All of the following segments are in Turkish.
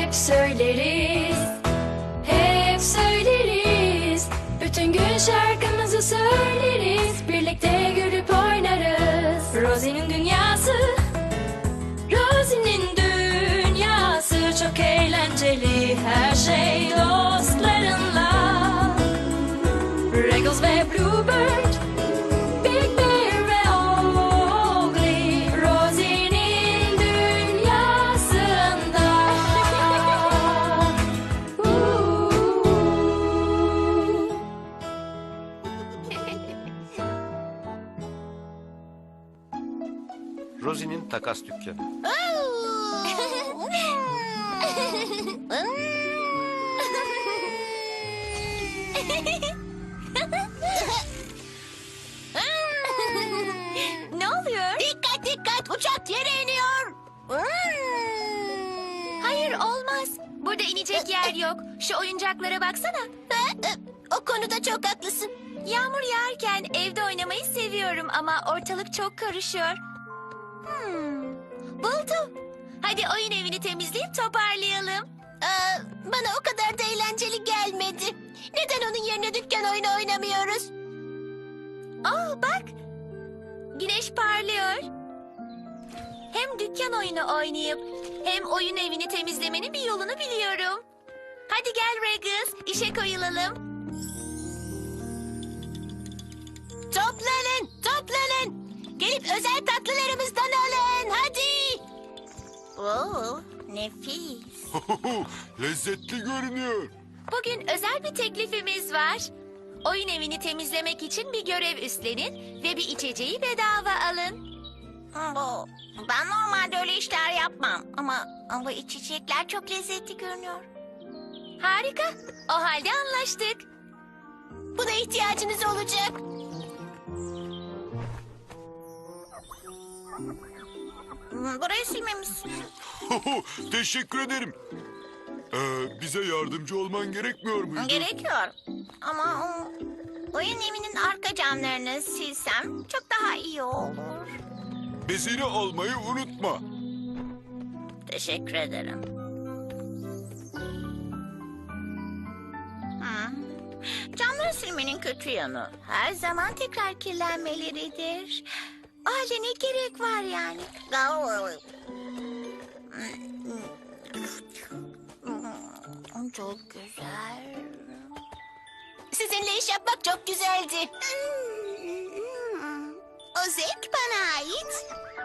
hep söyleriz, hep söyleriz. Bütün gün şarkımızı söyleriz, birlikte gülüp oynarız. Rosie'nin dünyası, Rosie'nin dünyası çok eğlenceli, her şey dostlarınla. Regals ve Bluebird, Big Bear ve Oakley, Rosie'nin dünyasında. Rosie'nin takas dükkanı. Ne oluyor? Dikkat dikkat, uçak yere iniyor. Hayır, olmaz. Burada inecek yer yok. Şu oyuncaklara baksana. O konuda çok haklısın. Yağmur yağarken evde oynamayı seviyorum ama ortalık çok karışıyor. Buldum. Hadi oyun evini temizleyip toparlayalım. Bana o kadar da eğlenceli gelmedi. Neden onun yerine dükkan oyunu oynamıyoruz? Bak. Güneş parlıyor. Hem dükkan oyunu oynayıp hem oyun evini temizlemenin bir yolunu biliyorum. Hadi gel Regis, işe koyulalım. Toplanın, toplanın. Gelip özel tatlılarımızdan alın, hadi. Oo, nefis. Lezzetli görünüyor. Bugün özel bir teklifimiz var. Oyun evini temizlemek için bir görev üstlenin ve bir içeceği bedava alın. Ben normalde öyle işler yapmam. Ama bu içecekler çok lezzetli görünüyor. Harika. O halde anlaştık. Buna ihtiyacınız olacak. Burayı silmemiz. Teşekkür ederim. Bize yardımcı olman gerekmiyor muydu? Gerekiyor. Ama oyun evinin arka camlarını silsem çok daha iyi olur. Bezini almayı unutma. Teşekkür ederim. Camları silmenin kötü yanı her zaman tekrar kirlenmeleridir. O halde ne gerek var yani? Çok güzel. Sizinle iş yapmak çok güzeldi. O zevk bana ait.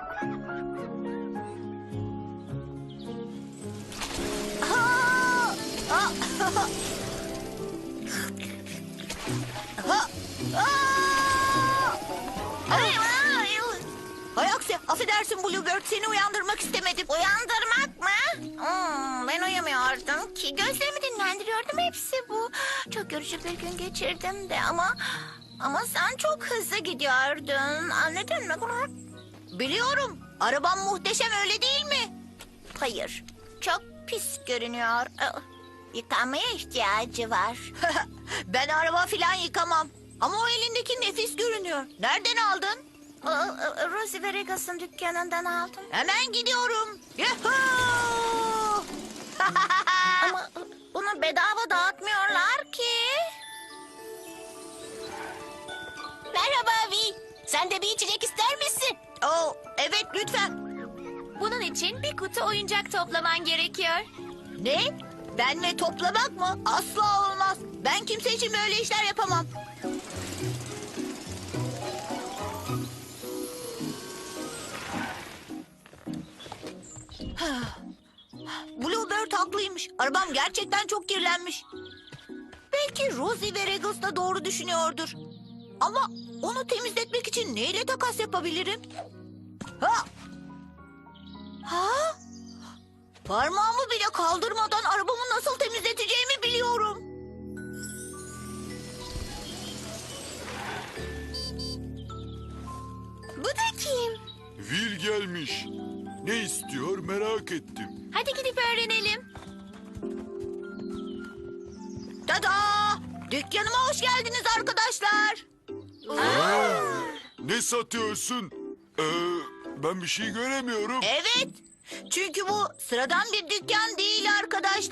Hay aksi, affedersin Bluebird, seni uyandırmak istemedim. Uyandırmak mı? Ben uyumuyordum ki. Gözlerimi dinlendiriyordum, hepsi bu. Çok yorucu bir gün geçirdim de ama sen çok hızlı gidiyordun. Anladın mı? Biliyorum, araban muhteşem, öyle değil mi? Hayır, çok pis görünüyor. Yıkanmaya ihtiyacı var. Ben araba filan yıkamam. Ama o elindeki nefis görünüyor. Nereden aldın? Rosie ve Regas'ın dükkanından aldım. Hemen gidiyorum. Yuhuu! Ama bunu bedava dağıtmıyorlar ki. Merhaba Vi. Sen de bir içecek ister misin? Oh, evet lütfen. Bunun için bir kutu oyuncak toplaman gerekiyor. Ne? Benle toplamak mı? Asla olmaz. Ben kimse için böyle işler yapamam. Bluebird haklıymış. Arabam gerçekten çok kirlenmiş. Belki Rosie ve Regus da doğru düşünüyordur. Ama onu temizletmek için neyle takas yapabilirim? Ha! Ha? Parmağımı bile kaldırmadan arabamı nasıl temizleteceğimi biliyorum. Bu da kim? Will gelmiş. Ne istiyor merak ettim. Hadi gidip öğrenelim. Tada! Dükkanıma hoş geldiniz arkadaşlar. Ne satıyorsun? Ben bir şey göremiyorum. Evet. Çünkü bu sıradan bir dükkan değil arkadaşlar.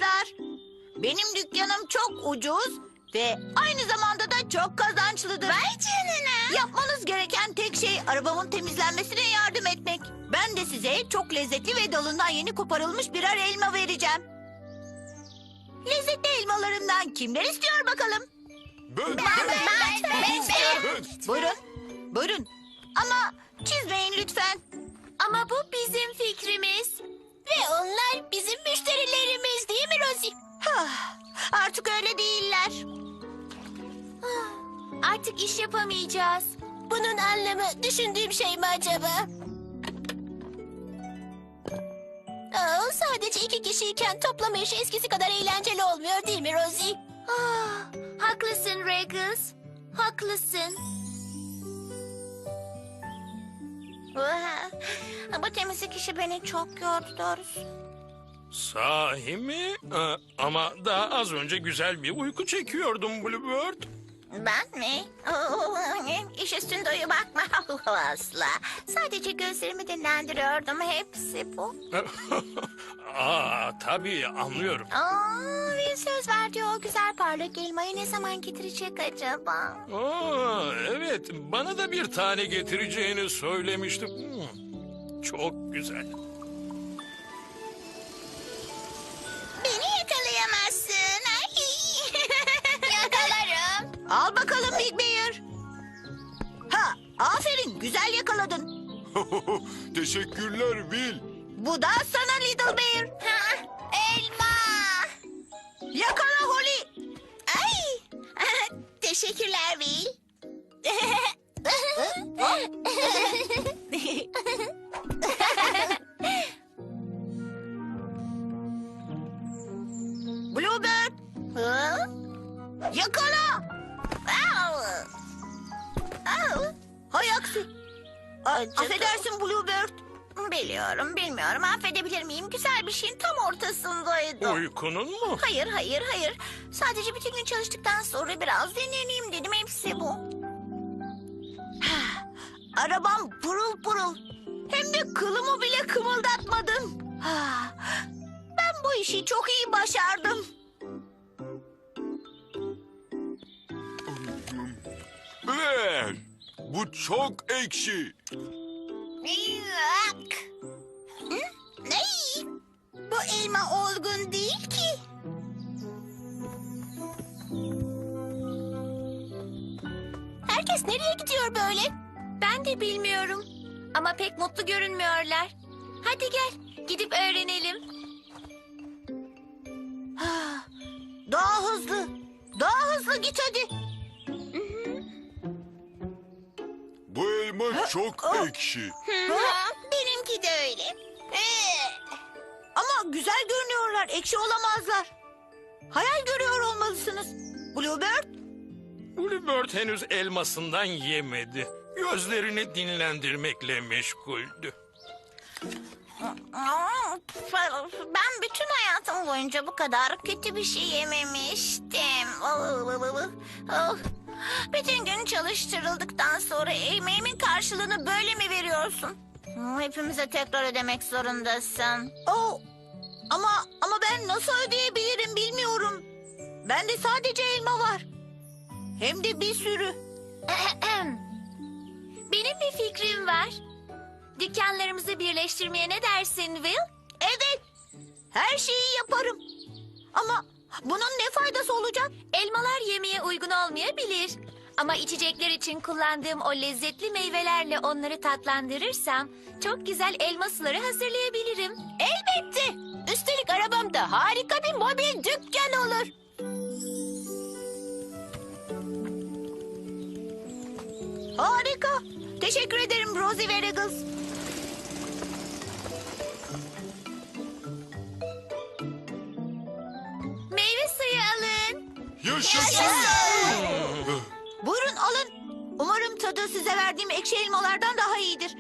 Benim dükkanım çok ucuz ve aynı zamanda da çok kazançlıdır. Vay canına. Yapmanız gereken tek şey arabamın temizlenmesine yardım etmek. Ben de size çok lezzetli ve dalından yeni koparılmış birer elma vereceğim. Lezzetli elmalarımdan kimler istiyor bakalım? Ben. Buyurun, buyurun. Ama çizmeyin lütfen. Ama bu bizim fikrimiz. Ve onlar bizim müşterilerimiz değil mi Rosie? Artık öyle değiller. Artık iş yapamayacağız. Bunun anlamı düşündüğüm şey mi acaba? Sadece 2 kişiyken toplama işi eskisi kadar eğlenceli olmuyor değil mi Rosie? Haklısın Regis. Haklısın. Bu temizlik işi beni çok yordu doğrusu. Sahi mi? Ama daha az önce güzel bir uyku çekiyordum Bluebird. Ben mi? İş üstünde uyumak mı? Asla. Sadece gözlerimi dinlendiriyordum. Hepsi bu. Tabii anlıyorum. Bir söz verdi o güzel parlak elmayı ne zaman getirecek acaba? Evet, bana da bir tane getireceğini söylemiştim. Çok güzel. Beni yakalayamazsın. Yakalarım. Al bakalım Big Bear. Aferin, güzel yakaladın. Teşekkürler Will. Bu da sana Little Bear. Elma. Yakala Holly. Ay. Teşekkürler Will. Bluebird, yakala. Hay aksi. Affedersin Bluebird. Bilmiyorum. Affedebilir miyim? Güzel bir şeyin tam ortasındaydı. Uykunun mu? Hayır. Sadece bütün gün çalıştıktan sonra biraz dinleneyim dedim. Hepsi bu. Arabam pırıl pırıl. Hem de kılımı bile kımıldatmadın. Ben bu işi çok iyi başardım. Bu çok ekşi. Ne? Bu elma olgun değil ki. Herkes nereye gidiyor böyle? Ben de bilmiyorum. Ama pek mutlu görünmüyorlar. Hadi gel, gidip öğrenelim. Daha hızlı. Daha hızlı git hadi. Bu elma çok ekşi. Benimki de öyle. Ama güzel görünüyorlar. Ekşi olamazlar. Hayal görüyor olmalısınız. Bluebird, Bluebird henüz elmasından yemedi. Gözlerini dinlendirmekle meşguldü. Ben bütün hayatım boyunca bu kadar kötü bir şey yememiştim. Bütün gün çalıştırıldıktan sonra emeğimin karşılığını böyle mi veriyorsun? Hepimize tekrar ödemek zorundasın. ama ben nasıl ödeyebilirim bilmiyorum. Bende sadece elma var. Hem de bir sürü. Benim bir fikrim var. Dükkanlarımızı birleştirmeye ne dersin Will? Evet. Her şeyi yaparım. Ama bunun ne faydası olacak? Elmalar yemeye uygun olmayabilir. Ama içecekler için kullandığım o lezzetli meyvelerle onları tatlandırırsam çok güzel elma suları hazırlayabilirim. Elbette. Üstelik arabamda harika bir mobil dükkan olur. Harika. Teşekkür ederim Rosie ve Regis. Meyve suyu alın. Yaşasın. Buyurun alın. Umarım tadı size verdiğim ekşi elmalardan daha iyidir.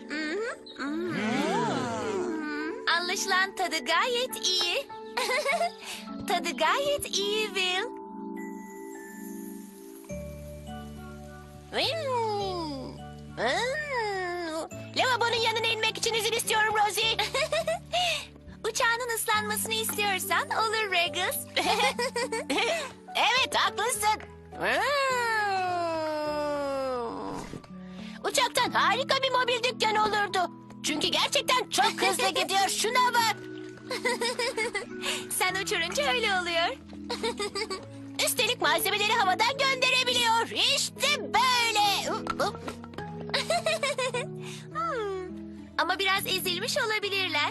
Anlaşılan tadı gayet iyi. Tadı gayet iyi Will. Lavabonun yanına inmek için izin istiyorum Rosie. Uçağının ıslak kazanmasını istiyorsan olur Regis. Evet, haklısın. Uçaktan harika bir mobil dükkan olurdu. Çünkü gerçekten çok hızlı gidiyor. Şuna bak. Sen uçurunca öyle oluyor. Üstelik malzemeleri havadan gönderebiliyor. İşte böyle. Ama biraz ezilmiş olabilirler.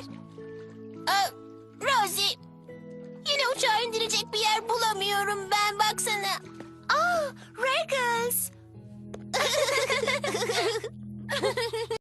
Rosie, yine uçağı indirecek bir yer bulamıyorum ben. Baksana. Regis.